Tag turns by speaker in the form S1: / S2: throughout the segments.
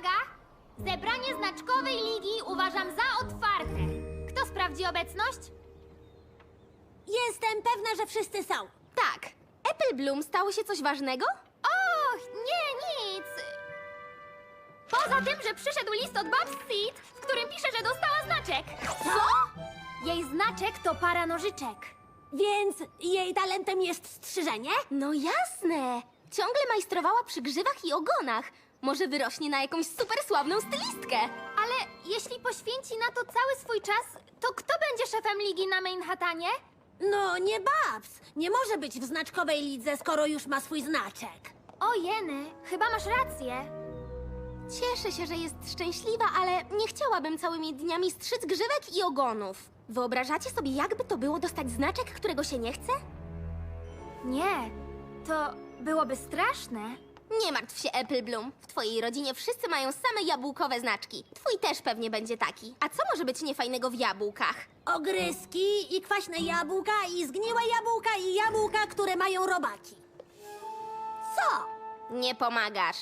S1: Uwaga! Zebranie znaczkowej ligi uważam za otwarte. Kto sprawdzi obecność?
S2: Jestem pewna, że wszyscy są.
S3: Tak. Apple Bloom stało się coś ważnego?
S1: Och, nie, nic. Poza tym, że przyszedł list od Babs Seed, w którym pisze, że dostała znaczek.
S2: Co?
S1: Jej znaczek to para nożyczek.
S2: Więc jej talentem jest strzyżenie?
S3: No jasne. Ciągle majstrowała przy grzywach i ogonach. Może wyrośnie na jakąś super sławną stylistkę.
S1: Ale jeśli poświęci na to cały swój czas, to kto będzie szefem ligi na Manhattanie?
S2: No, nie Babs. Nie może być w znaczkowej lidze, skoro już ma swój znaczek.
S1: O jeny, chyba masz rację.
S3: Cieszę się, że jest szczęśliwa, ale nie chciałabym całymi dniami strzyc grzywek i ogonów. Wyobrażacie sobie, jakby to było dostać znaczek, którego się nie chce?
S1: Nie, to byłoby straszne.
S3: Nie martw się, Apple Bloom. W twojej rodzinie wszyscy mają same jabłkowe znaczki. Twój też pewnie będzie taki. A co może być niefajnego w jabłkach?
S2: Ogryski i kwaśne jabłka i zgniłe jabłka i jabłka, które mają robaki. Co?
S3: Nie pomagasz.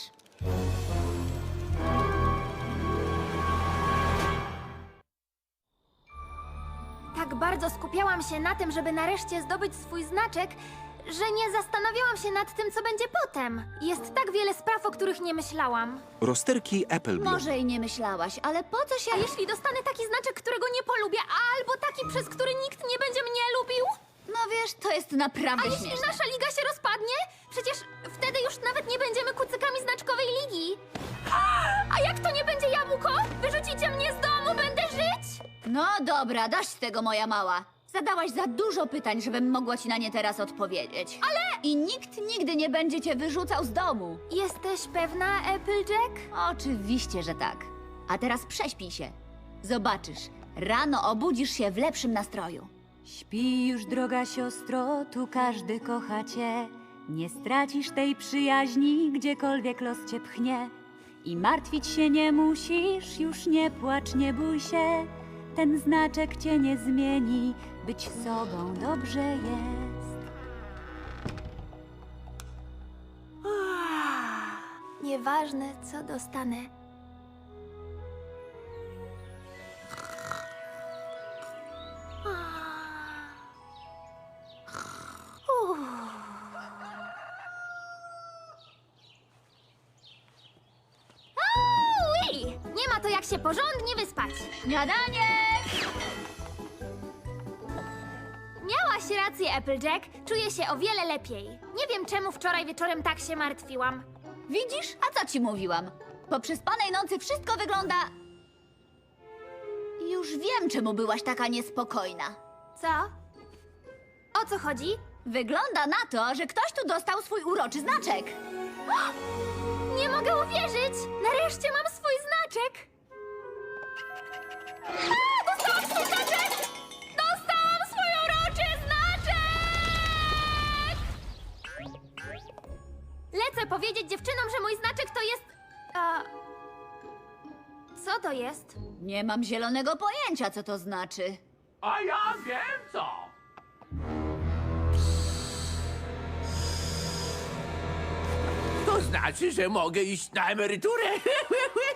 S1: Tak bardzo skupiałam się na tym, żeby nareszcie zdobyć swój znaczek, że nie zastanawiałam się nad tym, co będzie potem. Jest tak wiele spraw, o których nie myślałam.
S4: Rozterki Apple Bloom.
S5: Może i nie myślałaś, ale po co się...
S1: A jeśli dostanę taki znaczek, którego nie polubię, albo taki, przez który nikt nie będzie mnie lubił?
S5: No wiesz, to jest naprawdę
S1: A jeśli
S5: śmieszne.
S1: nasza liga się rozpadnie? Przecież wtedy już nawet nie będziemy kucykami znaczkowej ligi. A jak to nie będzie jabłko? Wyrzucicie mnie z domu, będę żyć?
S5: No dobra, dość tego, moja mała. Zadałaś za dużo pytań, żebym mogła ci na nie teraz odpowiedzieć. Ale... I nikt nigdy nie będzie cię wyrzucał z domu.
S1: Jesteś pewna, Applejack?
S5: Oczywiście, że tak. A teraz prześpij się. Zobaczysz, rano obudzisz się w lepszym nastroju.
S6: Śpi już, droga siostro, tu każdy kocha cię. Nie stracisz tej przyjaźni, gdziekolwiek los cię pchnie. I martwić się nie musisz, już nie płacz, nie bój się. Ten znaczek cię nie zmieni, być sobą dobrze jest.
S1: Nieważne, co dostanę. Ui! Nie ma to jak się porządnie wyspać.
S5: Śniadanie!
S1: Miałaś rację, Applejack. Czuję się o wiele lepiej. Nie wiem, czemu wczoraj wieczorem tak się martwiłam.
S5: Widzisz? A co ci mówiłam? Po przespanej nocy wszystko wygląda... Już wiem, czemu byłaś taka niespokojna.
S1: Co? O co chodzi?
S5: Wygląda na to, że ktoś tu dostał swój uroczy znaczek.
S1: Nie mogę uwierzyć! Nareszcie mam swój znaczek! A, dostałam swój znaczek! Dostałam swój uroczy znaczek! Lecę powiedzieć dziewczynom, że mój znaczek to jest... Co to jest?
S5: Nie mam zielonego pojęcia, co to znaczy.
S7: A ja wiem co! To znaczy, że mogę iść na emeryturę.